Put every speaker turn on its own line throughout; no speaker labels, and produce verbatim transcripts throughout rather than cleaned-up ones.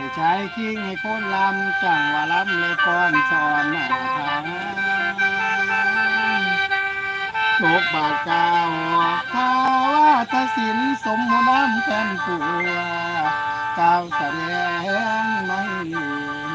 ชายคิงให้คนลำจังว่าลำเลยก้อนสอนหน้าทางโชคบาดกาวข้าว่าทศินสมมุน้ำกันปัวกาวแสดงไม่เลี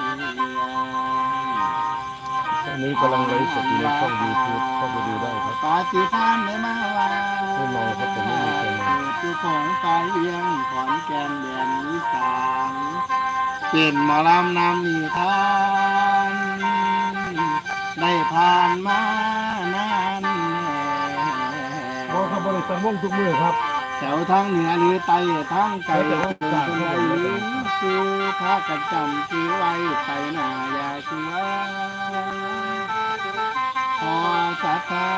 ตอนนี้กำลังไลฟ์สดอยู่ในช่อง ยูทูบ เข้าไปดูได้ครับ
ปาฏิทานได้มาว่า
ไม่เมาครับแต่ไม่มีใครเมา
ผู้ของกายเลี้ยงขอนแก่นแดนอีสานเป็นหมอลำนำนิทานได้ผ่านมานาน
เพราะเขาบริษัทวงทุกมือครับ
แถวทางเหนือหรือใต้ทางไกลคนใดซื้อพระกันจำซื้อไว้ไปหน้าอย่าเชื่อพอสัทธา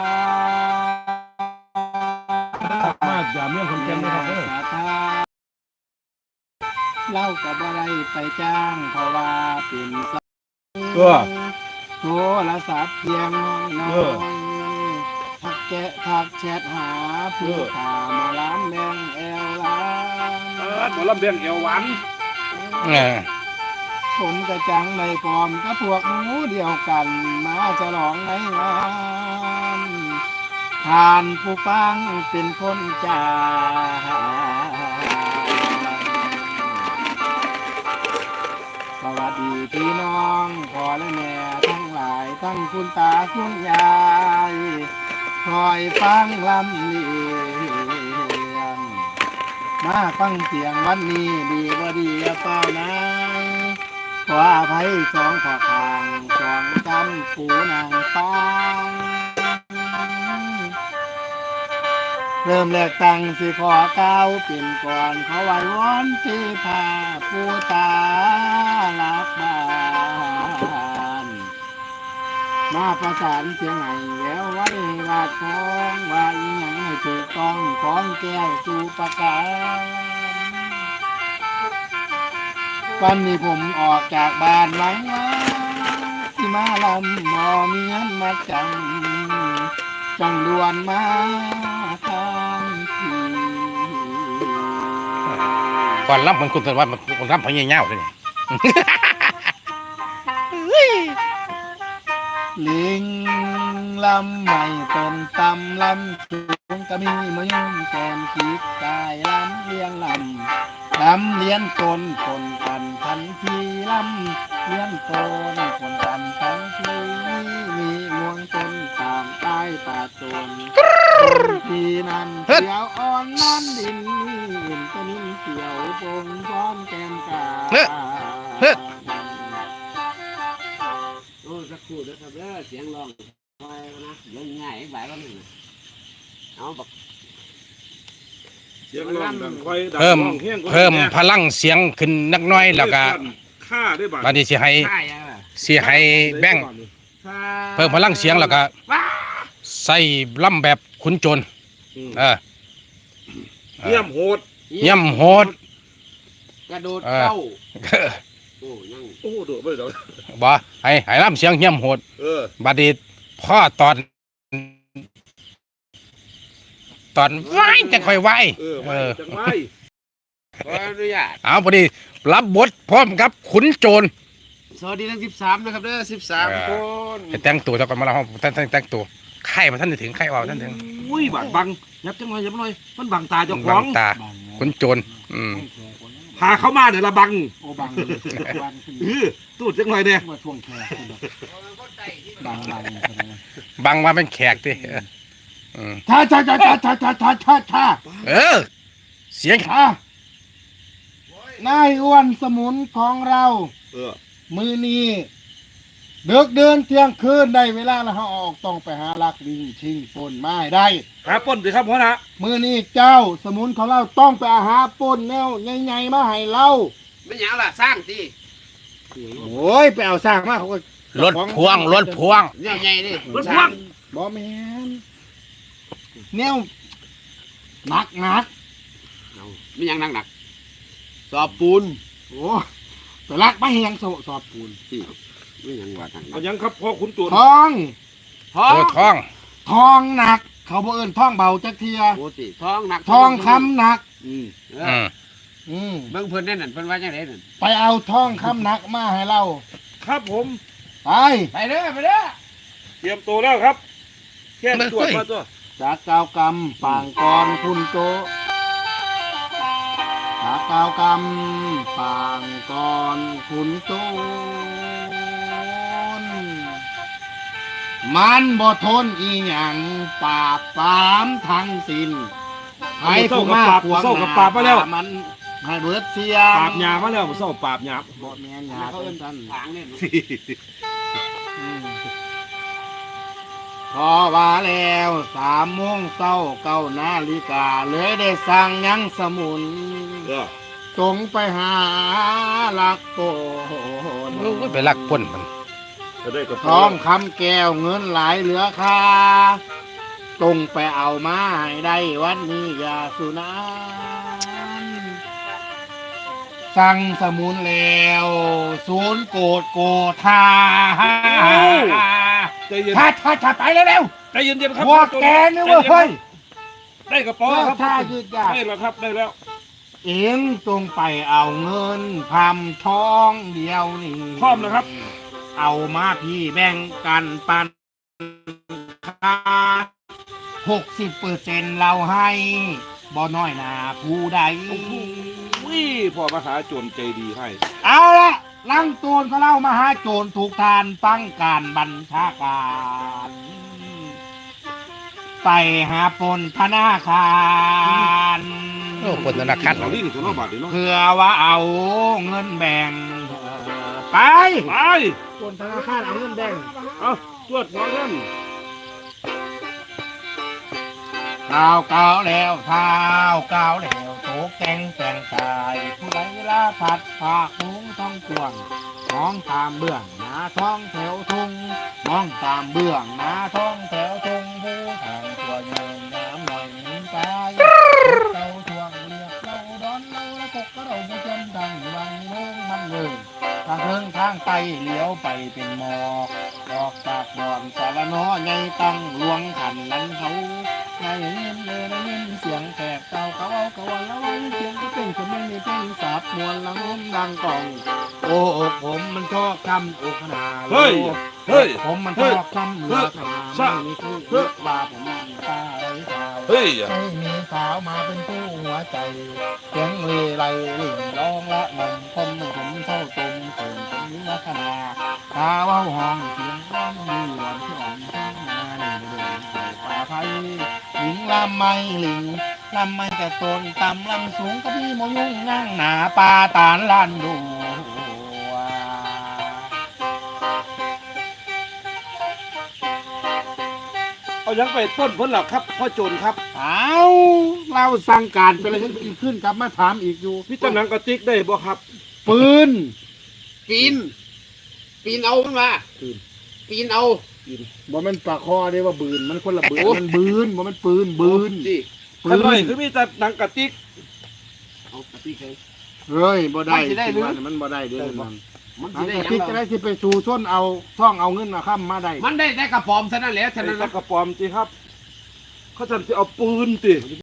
มาอย่าเมื่อคนแก่นนะครับเออ
สัทธาเล่ากับอะไรไปจ้างเพราะว่าเป็นสัตว์โทรศัพท์เพียงน้อยทักแกะทักแชทหาผู้ข่ามาล้านแมงแอลล้าน
เออหมอลำเบียงเอวหวาน
ผมกระจังในกอมก็พวกหมูเดียวกันมาจะหลองในงานทานผู้ฟังเป็นคนจ่าสวัสดีพี่น้องพ่อและแม่ทั้งหลายทั้งคุณตาคุณยายคอยฟังลำเลียงมาฟังเสียงวันนี้ดีบ่ดีเปล่านายขออภัยสองขอทางสองกันปูนางฟังเริ่มแรกตั้งสิขอก้าวเป็นก่อนเขาไหว้วอนที่พาผู้ตาลักบ้านมาประสานเสียงไหนแววไว้วาดทองว่าอีหยังให้ถูกต้องของแก้วสู่ประกาศวันนี้ผมออกจากบ้านหลังว่าสิมาลำมอมีเงินมาจังจังด่วนมาทางที
ก่อนรับมันคุณตะวันมันคนรับพญาเงาเลยนี่
ลิงลำใหม่ต้นตำลำสูงก็มีมายุ่งแกมกีดกายลำเลี้ยงลำลำเลี้ยนตนคนกันทันทีลำเลี้ยนตนคนกันทันทีมีงวงตนตามใต้ป่าตนทีนั้นเขียวอ่อนนั่นดินนี่ต้นเขียวปงซ้อนแกมกา
โอ้สักครู่ด้วยครับเด้อเสียงร้องคอยนะเดี๋ยวง่ายอีกหลายวันหนึ่งเอาบัก
เสียงร้องดังค่อยดัง
เพิ่ม
ร้องเฮี้ยง
เพิ่มพลังเสียงขึ้นนักน้อยแล้วก็
ค่าได้บ้าง
ตอนนี้สิให้
ใช่ยังไง
สิให้แบ่งเพิ่มพลังเสียงแล้วก็ใส่ล่ำแบบขุนโจรเออ
เยี่ยมโหด
เยี่ยมโหด
กระโดดเข้าโอ้ยัง
โอ้โดดไปเดี๋ยว
บ่ให้ให้ล่ำเสียงเยี่ยมโหด
เออ
บัดนี้พ่อตอนตอนไหวจะค่อยไหว
เออ
เออ
จังไร
ขออนุญาต
เอาพอดีรับบทพร้อมกับขุนโจร
สวัสดีทั้งสิบสามนะครับเด้อสิบสามคน
ให้แต่งตัวเท่ากันมาแล้วท่านท่านแต่งตัวไข่มาท่านถึงไข่ว่าท่านถึง
อุ้ยบังบังยับจังเลยยับหน่อยมันบังตาเจ้าข
บั
อง
งตาขุนโจรอืม
พาเข้ามาเดี๋ยวละบัง
โอ้บังบัง
เออตูดจังเลยเนี่ย
มาช่วงแค่บังบัง
บังมาเป็นแขกดิอืม
ท่าท่าท่าท่าท่าท่าท่าท่าท่า
เออเสียง
ท่านายอ้วนสมุนของเรา
เออ
มือนี้เดิกเดินเที่ยงคืนได้เวลาแล้วเขาออกต้องไปหาลักวิ่งชิงปนไม้ได้
หาป้นสิครับพ่อนะ
มือนี้เจ้าสมุนของเราต้องไปหาปนแนวใหญ่ๆมาให้เรา
ไม่หยังล่ะสร้างสิ
โอ้ยไปเอาสร้างมาเขาก็
รถพวงรถพวง
เนี่ยใหญ่ดิ
รถพ่วง
บอแมนแนวหนักหนัก
ไม่หยังหนักหนักสอบปูน
โอ้ไปลักไม่แหงสสอบปูน
ไม่หยังว่าทาง
เอายังครับพ่อขุนตัว
ทอง
ท้อ
โอ้
ง
ท้อง
ทองหนัก เขาบอกเอินทองเบาจักเทีย
โอ้สิท้องหนัก
ทองคำหนัก
อืมเอ
อื
อ
ม
อืม
เบิ่งเพิ่นนั่นน่ะเพิ่นว่าจังไดนั่น
ไปเอาทองคำหนักมาให้เรา
ครับผม
ไป
ไปเด้อไปเด้อ
เตรียมตัวแล้วครับแค่ตรวจมาตัว
จากกาวกรรมปางกรคุณโจจากกาวกรรมปางกรคุณโจรมันบ่ทนอีหยังปราบปรามทั้งสิ้นให้ผู้มาขวางมันให้เบิดเสีย
ปราบหยามาแล้วผมเศร้าปราบหยาบ
บ่แม่นหยา
เขาเอิ้
เป็น นสั้น
ทางนี่
อืมพอว่าแล้วสามโมงเช้าเก้านาฬิกาเลยได้สั่งยังสมุน
เออ
จงไปหาลักโตน
โอ้ยไปลักพ่นมัน
จะได้กระ
ทองคำแก้วเงินหลายเหลือค่าจงไปเอามาให้ได้วันนี้อย่าสุนันสั่งสมุนแล้วศูนย์โกดโกธา
ใจเย็น
ถ้าถ้าถ้าไปเร็ว
ใจเย็นๆครับ
ๆว่าแกนี่เว้ยเฮ้ย
ได้กระเป๋าครับ
ถ้ายืดยาด
ได้แล้วครับได้แล้ว
เอ็งจงไปเอาเงินพำทองเดียวนี่
พร้อมนะครับ
เอามาพี่แบ่งกันปันค่าหกสิบเปอร์เซ็นต์เราให้บ่น้อยหนาผู้ใด
วิพ่อมหาโจรใจดีให้
เอาละลังโจรก็เล่ามาหาโจรถูกทานฟังการบัญชาการ ไปหาปนธนาคาร
โอ้พ่นธนาคาร
เราลิ้นถึงเราบาดเดียวเนาะ
เพื่อว่าเอาเงินแบ่งไป
ไป
ปนธนาคารเอาเงินแบ่ง
เอาตรวจหัวเงิน
ก้าวก้าวแล้วเท้าก้าวแล้วโตแกงแต่งกายผู้ใดเวลาผัดผากหุงท้องกวงมองตามเบื้องหน้าท้องแถวทุ่งมองตามเบื้องหน้าท้องแถวทุ่งผู้ทางตัวใหญ่น้ำหน่อยหนึ่งไปเต้าทวงเรียกเราดอนเราและกกกระเราผู้จำดังวังเมืองมันเมืองทางเทิงทางไปเลี้ยวไปเป็นหมอกออกจากบ่อนสารน้อใหญ่ตั้งหลวงขันลันเขาได้ยินเลยได้ยินเสียงแขกเก่าเขาเอาเขาวันแล้วเสียงก็เป็นคนไม่มีเพลงสาบมวลละงมดังกล่อง โอ้อกผมมันชอบคำอกขนา
เฮ้ยเฮ้ย
ผมมันชอบคำเหลือขนาไม่มีคู่เลือกบาผมมันตาไร้ขาว
เฮ้ย
ไม่มีสาวมาเป็นผู้หัวใจเสียงเลไลลิ่งร้องละนมคนไม่ผมเท่าตุ่มเขินผมนิรคนาตาเว้าห้องเสียงร้องมีหวานที่อ่อนที่มาหนึ่งเดือนใส่ป่าไผ่หลิงลำไม่หลิงลำไม่แต่ตนต่ำลำสูงก็พี่มยุ่งนั่งหนาปลาตานลันดู
เอายังไปต้นผลหลักครับพ่อโจรครับ
เอาเราสั่งการไปเลยขึ้นขึ้นกลับมาถามอีกอยู่
พี่ตำหนังกระติกได้บ่ครับ
ปืน
ปีนปีนเอามันมา
ปืน
ปีนเอา
บ่แมันปากคอเด้ว่าบืนมันคนละบืนมันบืนบ่แมันปืนบืน
สิ
ปื
ขน่อย
น
คือมีแต่หนังกระติก
เอากระติกเลย
เฮ้ยบ่ได้
มันสิได้หรือ
มันบ่ได้เด้อมัน
มัน
อั
สิ
น
ได้
กระ
หยัง
ติกจะ
เรา
ได้สิไปสู่ชนเอาท่องเอาเงินมาค้ำมาได้
มันได้แต่กระป๋อมเท่านั้นแหละฉะ
ไอ้
นั้น
ตะ
นะ
กระปอมจีครับ เขาจะเอาปืนติ